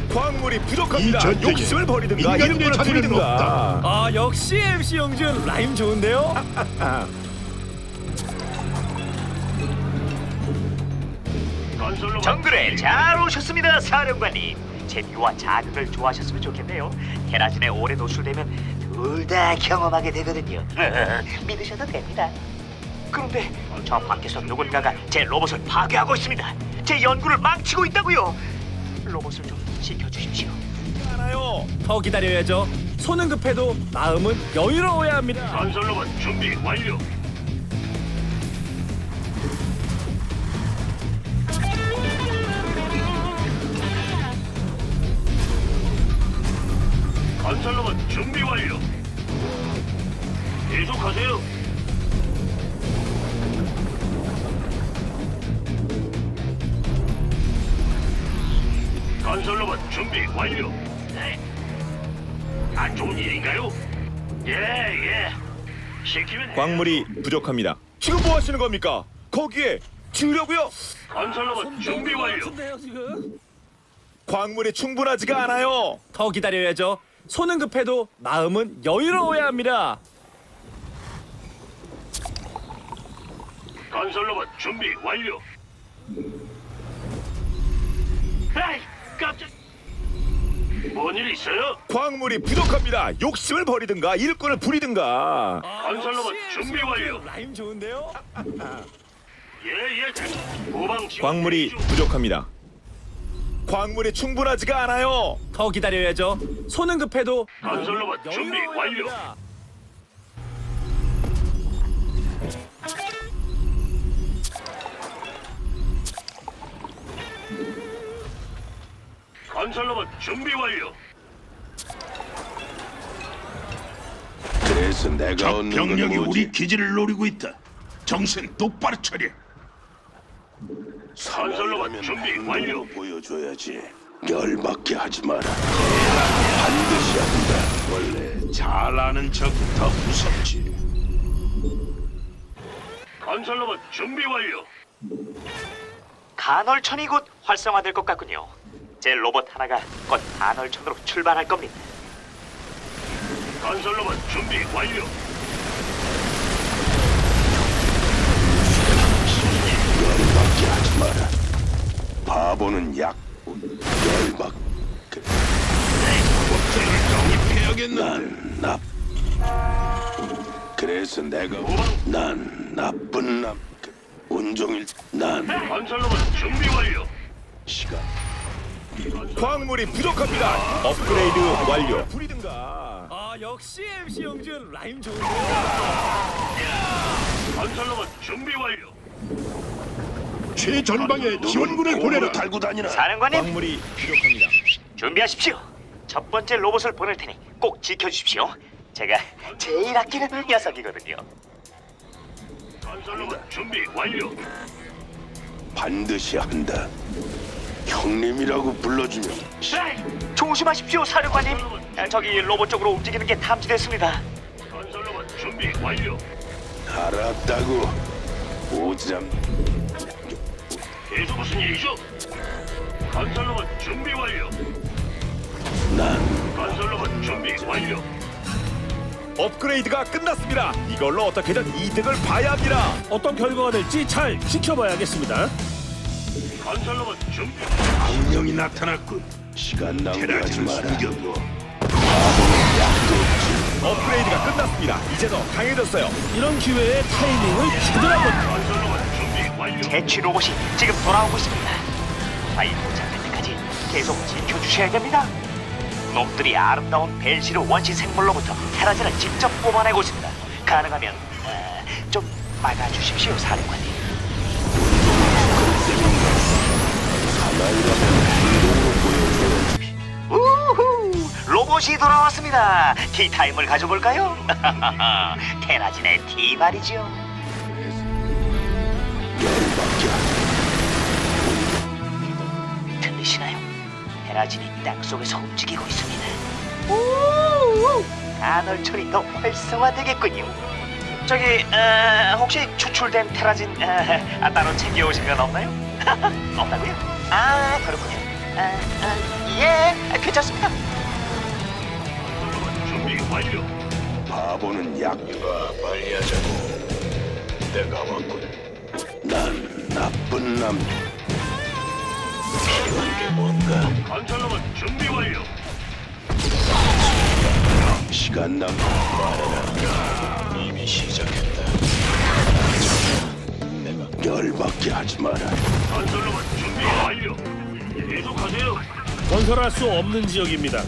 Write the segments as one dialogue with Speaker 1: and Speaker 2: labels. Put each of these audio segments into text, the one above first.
Speaker 1: 광물이
Speaker 2: 이
Speaker 1: 부족합니다.
Speaker 2: 전쟁에
Speaker 1: 욕심을 버리든가
Speaker 2: 인간의
Speaker 1: 일꾼을
Speaker 2: 자리는
Speaker 1: 부리든가.
Speaker 2: 없다.
Speaker 3: 아 역시 MC 영준 라임 좋은데요?
Speaker 4: 정글에 잘 오셨습니다, 사령관님. 재미와 자극을 좋아하셨으면 좋겠네요. 테라진에 오래 노출되면 둘 다 경험하게 되거든요. 믿으셔도 됩니다. 그런데 저 밖에서 누군가가 제 로봇을 파괴하고 있습니다. 제 연구를 망치고 있다고요. 로봇을 좀 지켜주십시오.
Speaker 1: 알아요.
Speaker 3: 더 기다려야죠. 손은 급해도 마음은 여유로워야 합니다.
Speaker 4: 건설로봇 준비 완료. 건설로봇 준비 완료. 계속하세요. 건설로봇 준비 완료. 네. 안 좋은 일인가요? 예. 시키면
Speaker 1: 광물이 부족합니다. 지금 뭐 하시는 겁니까? 거기에 지으려고요?
Speaker 4: 건설로봇 준비 완료.
Speaker 3: 같은데요 지금?
Speaker 1: 광물이 충분하지가 않아요.
Speaker 3: 더 기다려야죠. 손은 급해도 마음은 여유로워야 합니다.
Speaker 4: 건설로봇 준비 완료. 에이, 깜짝. 뭔 일 있어요?
Speaker 1: 광물이 부족합니다. 욕심을 버리든가 일꾼을 부리든가.
Speaker 4: 건설로봇
Speaker 3: 역시
Speaker 4: 준비
Speaker 3: MC
Speaker 4: 완료.
Speaker 3: 영준 라임 좋은데요?
Speaker 4: 예. 후방 지원
Speaker 1: 광물이
Speaker 4: 대기 중.
Speaker 1: 부족합니다. 광물이 충분하지가 않아요.
Speaker 3: 더 기다려야죠. 손은 급해도
Speaker 4: 건설로봇 준비
Speaker 3: 여유로워야
Speaker 4: 완료.
Speaker 3: 합니다.
Speaker 4: 건설로봇 준비 완료.
Speaker 5: 그래서 내가
Speaker 2: 적
Speaker 5: 얻는
Speaker 2: 병력이
Speaker 5: 건 뭐지?
Speaker 2: 우리 기지를 노리고 있다. 정신 똑바로 차려.
Speaker 4: 건설로봇 준비 완료.
Speaker 5: 보여줘야지. 열받게 하지 마라. 반드시 한다.
Speaker 2: 원래 잘 아는 적이 더 무섭지.
Speaker 4: 건설로봇 준비 완료. 간헐천이 곧 활성화될 것 같군요. 제 로봇 하나가 곧 간헐천으로 출발할 겁니다. 건설로봇 준비 완료.
Speaker 5: 열받게 하지 마라. 바보는 약. 열받. 난 납. 그래서 내가 난 나쁜 남. 온종일 난
Speaker 4: 건설로봇 준비 완료.
Speaker 5: 시간.
Speaker 1: 광물이 부족합니다. 업그레이드 완료. 부리든가.
Speaker 3: 아 역시 MC 영준 라임 좋은데요?
Speaker 4: 건설로봇 준비 완료.
Speaker 2: 최전방에 지원군을
Speaker 5: 공으로
Speaker 2: 보내라.
Speaker 5: 달고 다니나.
Speaker 4: 사령관님,
Speaker 1: 광물이 부족합니다.
Speaker 4: 준비하십시오. 첫 번째 로봇을 보낼 테니 꼭 지켜주십시오. 제가 제일 아끼는 녀석이거든요. 건설로봇 준비 완료.
Speaker 5: 반드시 한다. 형님이라고 불러주면
Speaker 4: 조심하십시오, 사령관님. 저기 로봇 쪽으로 움직이는 게 탐지됐습니다. 건설로봇 준비 완료.
Speaker 5: 알았다고. 오지랖.
Speaker 4: 계속 무슨 일이죠? 건설로봇 준비 완료.
Speaker 5: 난
Speaker 4: 건설로봇 준비 완료.
Speaker 1: 업그레이드가 끝났습니다. 이걸로 어떻게든 이득을 봐야 합니다.
Speaker 3: 어떤 결과가 될지 잘 지켜봐야겠습니다.
Speaker 4: 건설로봇 준비.
Speaker 2: 악령이 나타났군.
Speaker 5: 시간 낭비하지
Speaker 2: 테라진을
Speaker 5: 마라.
Speaker 2: 숨겨둬.
Speaker 1: 업그레이드가 끝났습니다. 이제 더 강해졌어요.
Speaker 3: 이런 기회에 타이밍을 제대로 한번.
Speaker 4: 건설로봇 준비 완료. 대취 로봇이 지금 돌아오고 있습니다. 파이 도착할 때까지 계속 지켜주셔야 됩니다. 놈들이 아름다운 벨시르 원시 생물로부터 테라진을 직접 뽑아내고 있습니다. 가능하면 좀 막아주십시오, 사령관님. 우후! 로봇이 돌아왔습니다. 티타임을 가져볼까요? 테라진의 티 말이죠.
Speaker 5: 열받게 하지.
Speaker 4: 들리시나요? 테라진이 땅속에서 움직이고 있습니다. 우우! 간헐천이 더 활성화되겠군요. 저기 혹시 추출된 테라진 따로 챙겨오신 건 없나요? 없다고요? 아 그렇군요. 예. 괜찮습니다.
Speaker 2: 준비 완료.
Speaker 5: 바보는 약.
Speaker 2: 빨리 하자고. 내가 왔군.
Speaker 5: 난 나쁜 남.
Speaker 2: 필요한 게 뭔가? 건설로만 준비 완료.
Speaker 5: 시간 남.
Speaker 2: 이미 시작했다.
Speaker 5: 열받게 하지 마라.
Speaker 2: 건설로만 준비 완료. 계속하세요.
Speaker 3: 건설할 수 없는 지역입니다.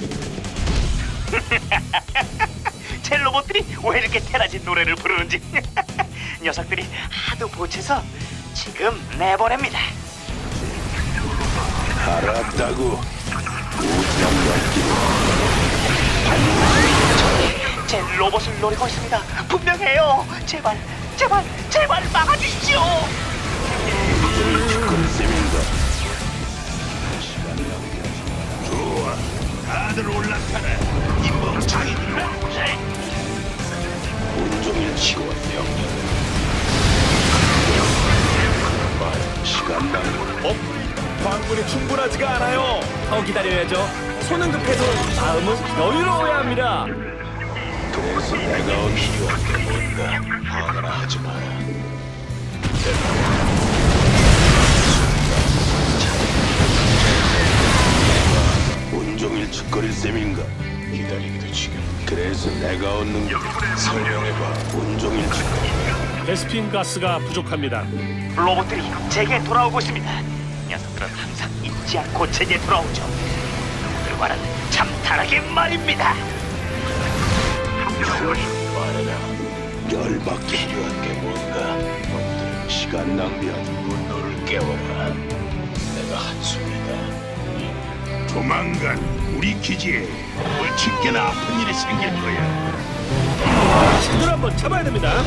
Speaker 4: 제 로봇들이 왜 이렇게 테라진 노래를 부르는지 녀석들이 하도 보채서 지금 내보냅니다.
Speaker 5: 알았다고. 우장
Speaker 4: 제 로봇을 노리고 있습니다. 분명해요. 제발, 제발, 제발 막아주십시오.
Speaker 5: 죽을 셈인가.
Speaker 2: 좋아. 다들 올라타라. 이 멍청이들.
Speaker 5: 온종일 치고 명령. 시간 남.
Speaker 1: 광물이 충분하지가 않아요.
Speaker 3: 더 기다려야죠. 손은 급해도 마음은 여유로워야 합니다.
Speaker 5: 그래서 내가
Speaker 2: 필요한 게 뭔가? 화가 하지 마라.
Speaker 5: 온종일 짓거릴 셈인가.
Speaker 2: 기다리기도 지금.
Speaker 5: 그래서 내가 얻는 게
Speaker 2: 설명해봐.
Speaker 5: 온종일 짓거릴.
Speaker 3: 베스핀 가스가 부족합니다.
Speaker 4: 로봇들이 제게 돌아오고 있습니다. 녀석들은 항상 잊지 않고 제게 돌아오죠. 그들과는 참 다르게 말입니다.
Speaker 2: 말해라.
Speaker 5: 열받게.
Speaker 2: 필요한 게 뭔가?
Speaker 5: 시간 낭비하지.
Speaker 2: 분노를 깨워라. 내가 한숨이다. 조만간 우리 기지에 벌칙게나 아픈 일이 생길 거야.
Speaker 3: 신들 한번 잡아야 됩니다.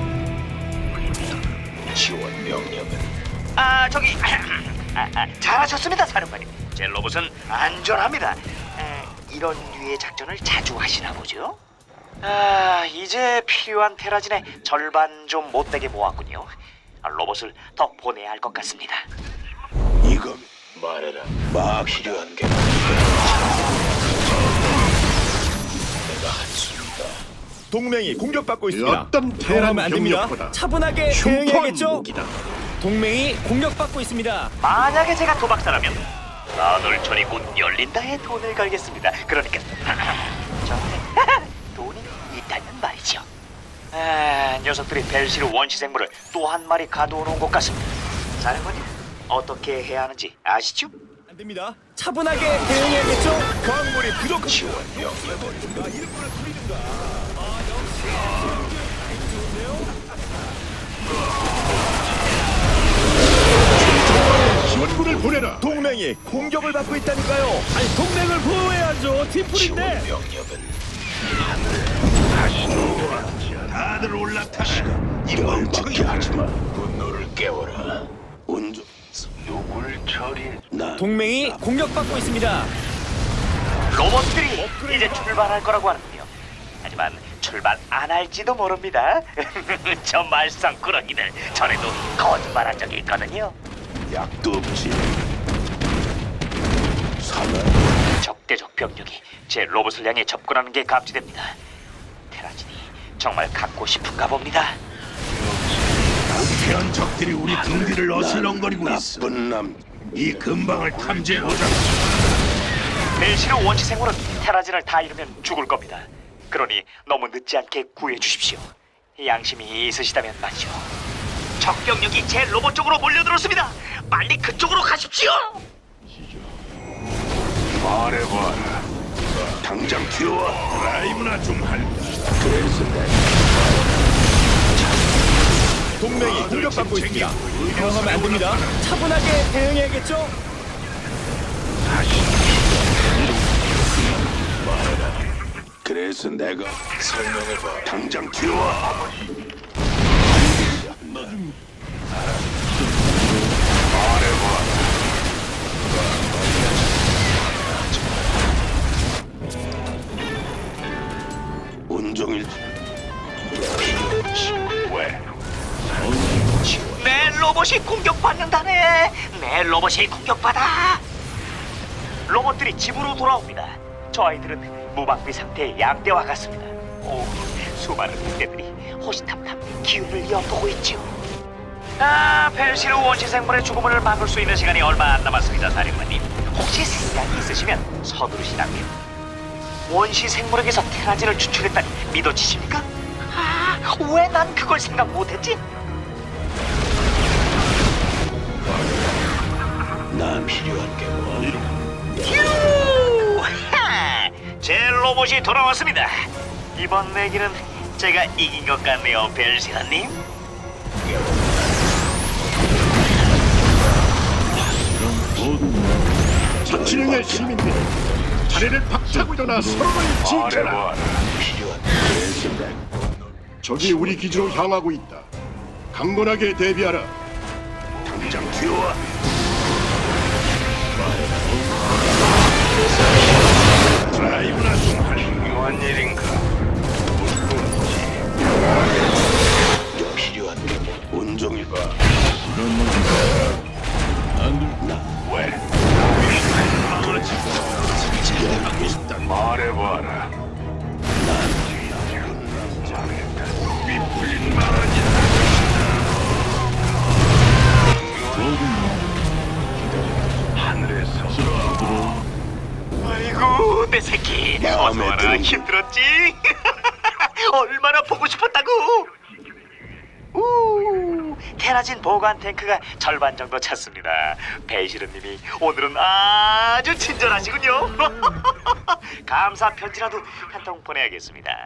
Speaker 2: 지원 명령은
Speaker 4: 저기 잘하셨습니다, 사령관님. 제 로봇은 안전합니다. 이런 류의 작전을 자주 하시나 보죠? 이제 필요한 테라진의 절반 좀 못되게 모았군요. 로봇을 더 보내야 할 것 같습니다.
Speaker 5: 이거
Speaker 2: 말해라.
Speaker 5: 막
Speaker 2: 필요한 게 뭔가? 내가 한숨이다.
Speaker 1: 동맹이 공격받고 있습니다.
Speaker 6: 어떤
Speaker 3: 당하면
Speaker 6: 테란
Speaker 3: 안 됩니다.
Speaker 6: 병력보다
Speaker 3: 차분하게
Speaker 6: 흉포한
Speaker 3: 대응해야겠죠.
Speaker 6: 무기다.
Speaker 3: 동맹이 공격받고 있습니다.
Speaker 4: 만약에 제가 도박사라면 나놀천이 곧 열린다에 돈을 걸겠습니다. 그러니까 저한테 돈이 있다면 말이죠. 녀석들이 벨시르 원시생물을 또 한 마리 가둬놓은 것 같습니다. 사령관님, 어떻게 해야 하는지 아시죠?
Speaker 3: 안 됩니다. 차분하게 대응해야겠죠.
Speaker 1: 광물이 부족한.
Speaker 2: 지원 명령은
Speaker 6: 지원군을 보내라.
Speaker 1: 동맹이 공격을 받고 있다니까요.
Speaker 3: 아니 동맹을 보호해야죠. 팀플인데.
Speaker 2: 지원 명령은 다들 올라타라. 이
Speaker 5: 열받게
Speaker 2: 멍청이들.
Speaker 5: 하지 마.
Speaker 2: 분노를 깨워라.
Speaker 5: 온종
Speaker 2: 누굴 처리해?
Speaker 5: 나
Speaker 3: 동맹이 공격받고 있습니다.
Speaker 4: 로봇들이 이제 출발할 거라고 하는군요. 하지만 출발 안 할지도 모릅니다. 저 말썽꾸러기들 전에도 거짓말한 적이 있거든요.
Speaker 5: 약도 없지. 사나
Speaker 4: 적대적 병력이 제 로봇을 향해 접근하는 게 감지됩니다. 테라진이 정말 갖고 싶은가 봅니다.
Speaker 2: 부패한 적들이 우리 등 뒤를 어슬렁거리고 있어.
Speaker 5: 나쁜 남.
Speaker 2: 이 근방을 탐지해보자.
Speaker 4: 벨시르 원시생물은 테라진을 다 잃으면 죽을 겁니다. 그러니 너무 늦지 않게 구해 주십시오. 양심이 있으시다면 말이죠. 적 병력이 제 로봇 쪽으로 몰려들었습니다. 빨리 그쪽으로 가십시오.
Speaker 2: 말해봐라.
Speaker 5: 당장 튀어와.
Speaker 2: 라이브나 좀 할까?
Speaker 5: 그래서 내가
Speaker 1: 동맹이 공격받고 있습니다.
Speaker 3: 당하면 안 됩니다. 차분하게 대응해야겠죠.
Speaker 5: 그래서 내가
Speaker 2: 설명해봐.
Speaker 5: 당장 튀어와. 온종일
Speaker 2: 왜?
Speaker 4: 내 로봇이 공격받는다네. 내 로봇이 공격받아. 로봇들이 집으로 돌아옵니다. 저 아이들은 무방비 상태의 양떼와 같습니다. 오, 수많은 늑대들이 호시탐탐 기운을 엿보고 있죠. 벨시르 원시 생물의 죽음을 막을 수 있는 시간이 얼마 안 남았습니다, 사령관님. 혹시 생각이 있으시면 서두르시라고요. 원시 생물에게서 테라진을 추출했다니 믿어지십니까? 왜 난 그걸 생각 못했지?
Speaker 5: 난 필요한 게 뭐?
Speaker 4: 휴! 하! 제 로봇이 돌아왔습니다. 이번 내기는 제가 이긴 것 같네요, 벨시라님.
Speaker 6: 자치령의 시민들이 자리를 박차고 일어나 서로를 지켜라.
Speaker 2: 말해봐라.
Speaker 6: 적이 우리 기지로 향하고 있다. 강건하게 대비하라.
Speaker 2: 당장 튀어와. 드라이브나 좀 할 중요한 일인가?
Speaker 5: 필요한 게 뭐? 온종일 봐.
Speaker 2: 왜? 말해봐라. 빗불린 말하지. 하늘에서
Speaker 4: 아이고, 내 새끼. 어서
Speaker 5: 마음에
Speaker 4: 와라.
Speaker 5: 드는
Speaker 4: 힘들었지? 얼마나 보고 싶었다고. 우, 테라진 보관 탱크가 절반 정도 찼습니다. 베이시르님이 오늘은 아주 친절하시군요. 감사 편지라도 한 통 보내야겠습니다.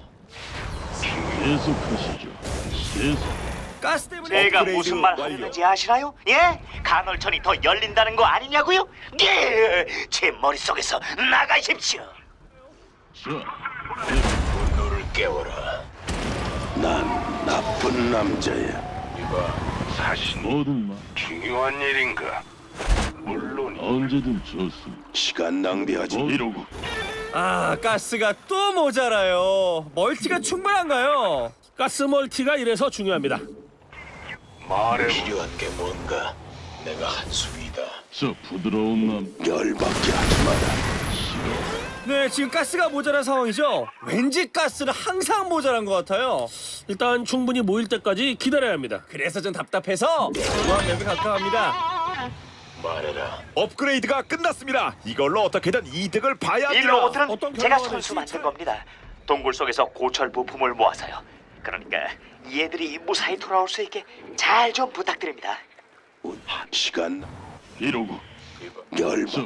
Speaker 7: 계속하시죠. 계속.
Speaker 3: 가스 때문에
Speaker 4: 제가
Speaker 1: 업그레이드
Speaker 4: 무슨 말
Speaker 1: 완료.
Speaker 4: 하는지 아시나요? 예? 간헐천이 더 열린다는 거 아니냐고요? 예! 제 머릿속에서 나가십시오.
Speaker 7: 자,
Speaker 5: 분노를 깨워라. 난 나쁜 남자야.
Speaker 2: 이봐, 사실
Speaker 7: 모든 말
Speaker 2: 중요한 일인가? 물론
Speaker 7: 언제든 좋습니다.
Speaker 5: 시간 낭비하지.
Speaker 7: 이러고
Speaker 3: 가스가 또 모자라요. 멀티가 충분한가요? 가스 멀티가 이래서 중요합니다.
Speaker 2: 말해.
Speaker 5: 필요한 게 뭔가? 내가 한숨이다.
Speaker 7: 저 부드러운 남
Speaker 5: 열받게 하지 마라.
Speaker 3: 네, 지금 가스가 모자란 상황이죠. 왠지 가스는 항상 모자란 것 같아요. 일단 충분히 모일 때까지 기다려야 합니다. 그래서 전 답답해서 무한맵에 가까워합니다.
Speaker 5: 말해라.
Speaker 1: 업그레이드가 끝났습니다. 이걸로 어떻게든 이득을 봐야
Speaker 4: 이
Speaker 1: 합니다.
Speaker 4: 로봇들은
Speaker 3: 어떤
Speaker 4: 제가
Speaker 3: 결과가
Speaker 4: 손수
Speaker 3: 될지
Speaker 4: 만든 겁니다. 동굴 속에서 고철 부품을 모아서요. 그러니까 얘들이 무사히 돌아올 수 있게 잘 좀 부탁드립니다.
Speaker 5: 시간
Speaker 7: 이러고
Speaker 5: 열받.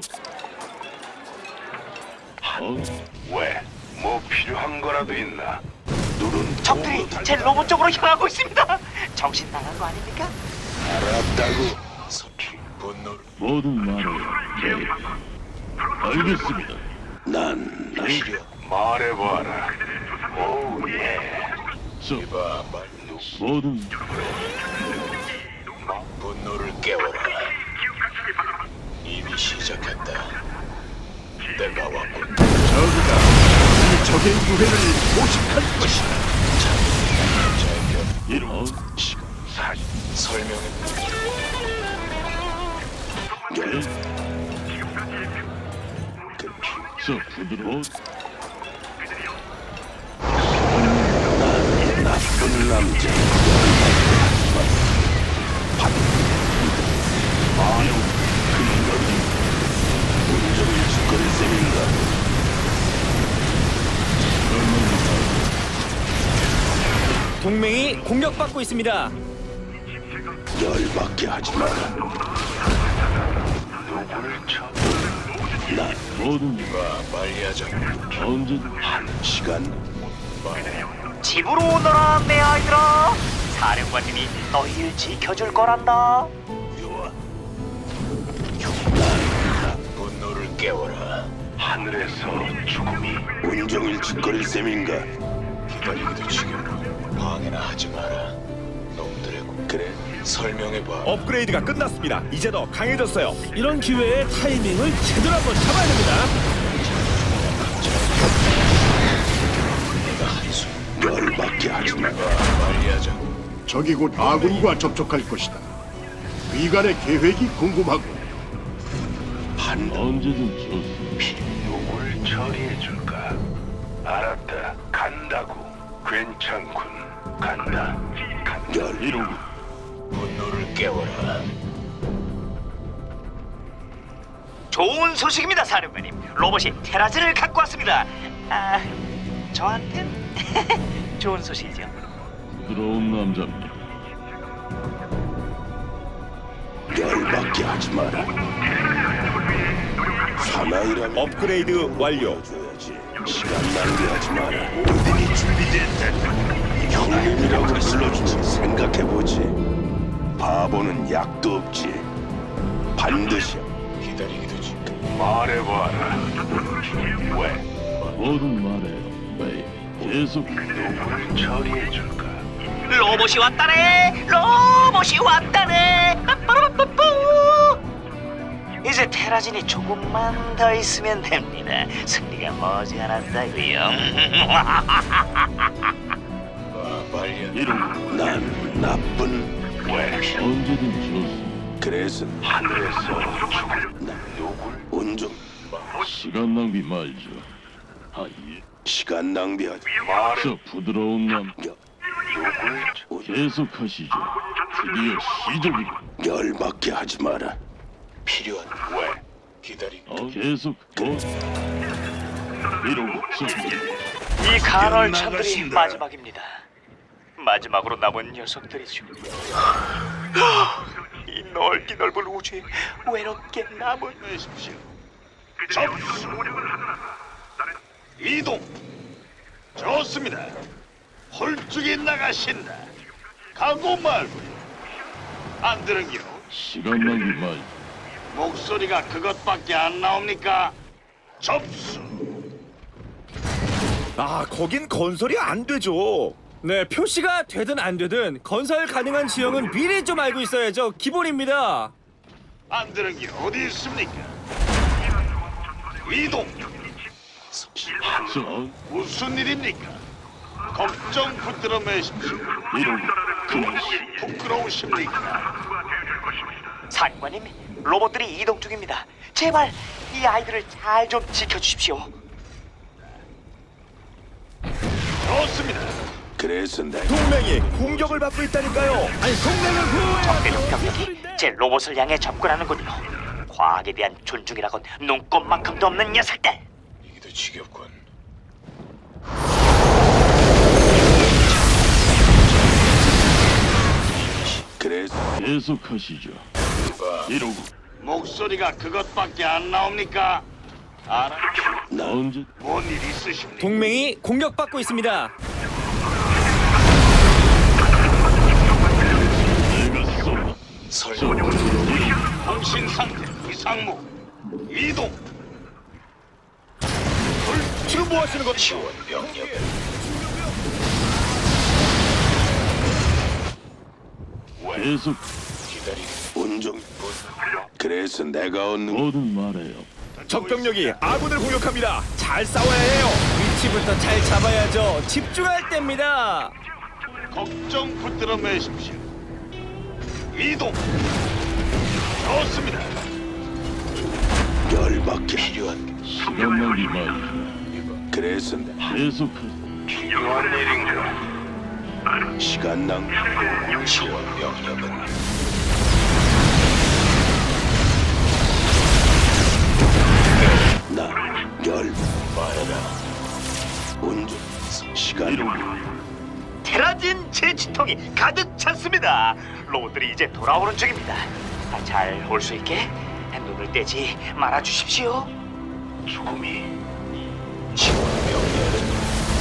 Speaker 2: 왜? 뭐 필요한 거라도 있나?
Speaker 5: 눈은
Speaker 4: 적들이 제 로봇 쪽으로 향하고 있습니다. 정신 나간 거 아닙니까?
Speaker 5: 알았다고. 서키 분노를.
Speaker 7: 모든 말을 네. 알겠습니다.
Speaker 5: 난 필요.
Speaker 2: 말해봐라. 오 예.
Speaker 7: 저
Speaker 5: 봐, 말.
Speaker 7: 모든
Speaker 5: 분노를 깨워라. 이미 시작했다. 내가 왔군.
Speaker 6: 저그가 이 적의 유해를 포식할 것이다.
Speaker 7: 이러
Speaker 2: 사실
Speaker 5: 설명해. 열.
Speaker 7: 저 부드러운
Speaker 5: 나쁜 남자. 온종일 짓거릴 셈인가?
Speaker 3: 동맹이 공격받고 있습니다.
Speaker 5: 열받게 하지 마라.
Speaker 2: 누구를 쳐?
Speaker 7: 모든
Speaker 5: 빨리 하자.
Speaker 7: 언제든
Speaker 5: 시간.
Speaker 4: 집으로 오너라 내 아이들아. 사령관님이 너희를 지켜줄 거란다.
Speaker 5: 분노를 깨워라.
Speaker 2: 하늘에서 죽음이
Speaker 5: 온종일 짓거릴 셈인가? 기다리기도 지겨워. 방해나 하지 마라. 놈들의 그래 설명해봐.
Speaker 1: 업그레이드가 끝났습니다. 이제 더 강해졌어요.
Speaker 3: 이런 기회에 타이밍을 제대로 한번 잡아야 됩니다.
Speaker 5: 내가 한숨. 열받게 하지 마라. 빨리 하자.
Speaker 6: 적이 곧 아군과 접촉할 것이다. 위관의 계획이 궁금하고
Speaker 5: 간다.
Speaker 7: 언제든 좋습니다.
Speaker 2: 누굴 처리해 줄까? 알았다. 간다고. 괜찮군. 간다.
Speaker 5: 열
Speaker 7: 이러고
Speaker 2: 분노를 깨워라.
Speaker 4: 좋은 소식입니다, 사령관님. 로봇이 테라즈를 갖고 왔습니다. 아, 저한텐 좋은 소식이죠.
Speaker 7: 부드러운 남자입니다.
Speaker 5: 열받게 하지 마라. 사나이라면
Speaker 1: 업그레이드 완료.
Speaker 5: 줘야지. 시간 낭비하지 마라. 모든이 준비됐다. 형님이라고 불러주지. 생각해보지. 바보는 약도 없지. 반드시
Speaker 2: 기다리기도 지 말해봐라. 왜?
Speaker 7: 뭐든 말해요. 메이. 계속
Speaker 2: 누굴 처리해 줄까?
Speaker 4: 로봇이 왔다네. 로봇이 왔다네. 빠빠라빠빠. 이제 테라진이 조금만 더 있으면 됩니다. 승리가 머지않았다고요.
Speaker 2: 말년
Speaker 7: 이러고
Speaker 5: 난 나쁜.
Speaker 2: 왜?
Speaker 7: 언제든 좋습니다.
Speaker 5: 그래서
Speaker 2: 하늘에서 죽을 누굴?
Speaker 5: 온종
Speaker 7: 시간 낭비 말죠. 아 예.
Speaker 5: 시간 낭비하지.
Speaker 2: 말해.
Speaker 7: 저 부드러운 남
Speaker 2: 누굴?
Speaker 7: 계속하시죠. 드디어 시작이고.
Speaker 5: 열받게 하지 마라.
Speaker 2: 필요한 왜? 기다리.
Speaker 7: 계속 이러고 저
Speaker 4: 이 간헐천들이 마지막입니다. 마지막으로 남은 녀석들이죠. 이 넓기 넓은 우주에 외롭게 남은
Speaker 2: 내십시오. 접수. 이동. 좋습니다. 홀쭉이 나가신다. 가고 말고. 안 들은겨.
Speaker 7: 시간 낭비 말죠.
Speaker 2: 목소리가 그것밖에 안 나옵니까? 접수.
Speaker 1: 아, 거긴 건설이 안 되죠.
Speaker 3: 네, 표시가 되든 안 되든 건설 가능한 지형은 미리 좀 알고 있어야죠. 기본입니다.
Speaker 2: 안 들은겨. 어디 있습니까? 이동.
Speaker 7: 저
Speaker 2: 무슨 일입니까? 걱정 붙들어 매십시오.
Speaker 7: 이러고
Speaker 2: 부끄러우십니까?
Speaker 4: 사령관님, 로봇들이 이동 중입니다. 제발 이 아이들을 잘 좀 지켜주십시오.
Speaker 2: 좋습니다.
Speaker 5: 그래서 내
Speaker 1: 동맹이 공격을 받고 있다니까요.
Speaker 3: 아니, 동맹을 구호해야
Speaker 4: 대륙 병력이 제 로봇을 향해 접근하는군요. 과학에 대한 존중이라곤 눈꼽만큼도 없는 녀석들.
Speaker 2: 이기도 지겹군.
Speaker 5: 그래서
Speaker 7: 계속하시죠. 이러고
Speaker 2: 목소리가 그것밖에 안 나옵니까? 알아?
Speaker 7: 언제
Speaker 2: 뭔 일 있으십니까?
Speaker 3: 동맹이 공격받고 있습니다.
Speaker 7: 내가 쏜다. 저 부드러운
Speaker 2: 통신 상태 이상무. 이동.
Speaker 1: 지금 뭐 하시는 거죠?
Speaker 2: 지원 병력.
Speaker 7: 계속
Speaker 2: 기다리.
Speaker 5: 온종. 그래서 내가 얻는
Speaker 7: 뭐든 말해요.
Speaker 1: 적병력이 아군을 공격합니다. 잘 싸워야 해요.
Speaker 3: 위치부터 잘 잡아야죠. 집중할 때입니다.
Speaker 2: 걱정 붙들어 매십시오. 이동. 좋습니다.
Speaker 5: 열받게.
Speaker 2: 필요한
Speaker 7: 시간 낭비 말죠.
Speaker 5: 그래서 내
Speaker 7: 계속하시죠.
Speaker 2: 필요한 일인가?
Speaker 5: 시간 낭비.
Speaker 2: 지원 병력은
Speaker 5: 나열
Speaker 2: 말하라.
Speaker 5: 온종 시간
Speaker 7: 이러고
Speaker 4: 테라진 제치통이 가득 찼습니다. 로봇들이 이제 돌아오는 중입니다. 잘 올 수 있게 눈을 떼지 말아 주십시오.
Speaker 2: 죽음이 지원 병력은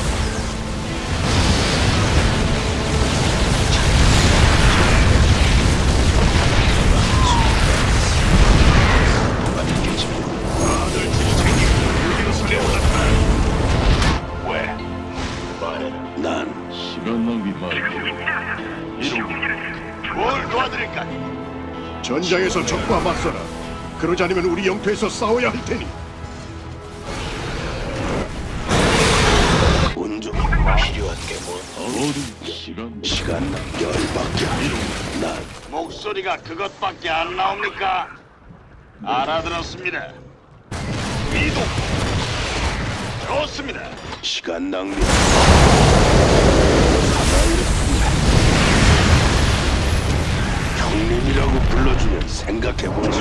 Speaker 2: 왜? 말해라.
Speaker 5: 난
Speaker 7: 시간 낭비 말죠. 이러고
Speaker 2: 뭘 도와드릴까?
Speaker 6: 전장에서 적과 맞서라. 그러지 않으면 우리 영토에서 싸워야 할 테니.
Speaker 5: 온종
Speaker 2: 필요한 게 뭐?
Speaker 7: 뭐든 시간
Speaker 5: 시간 열받게. 난
Speaker 2: 목소리가 그것밖에 안 나옵니까? 알아들었습니다. 이동. 좋습니다.
Speaker 5: 시간 낭비. 형님이라고 불러주면 생각해보지.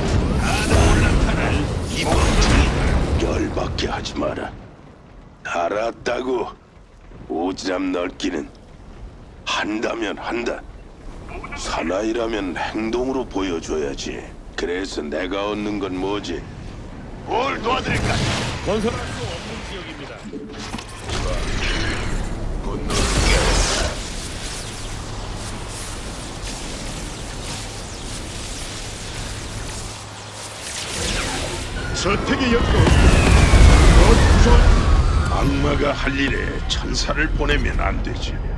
Speaker 5: 열받게 하지 마라. 알았다고. 오지랖 넓기는 한다면 한다. 사나이라면 행동으로 보여줘야지. 그래서 내가 얻는 건 뭐지?
Speaker 2: 뭘 도와드릴까?
Speaker 3: 건설할 수 없는 지역입니다.
Speaker 6: 저택의 역도 더 구성.
Speaker 2: 악마가 할 일에 천사를 보내면 안 되지.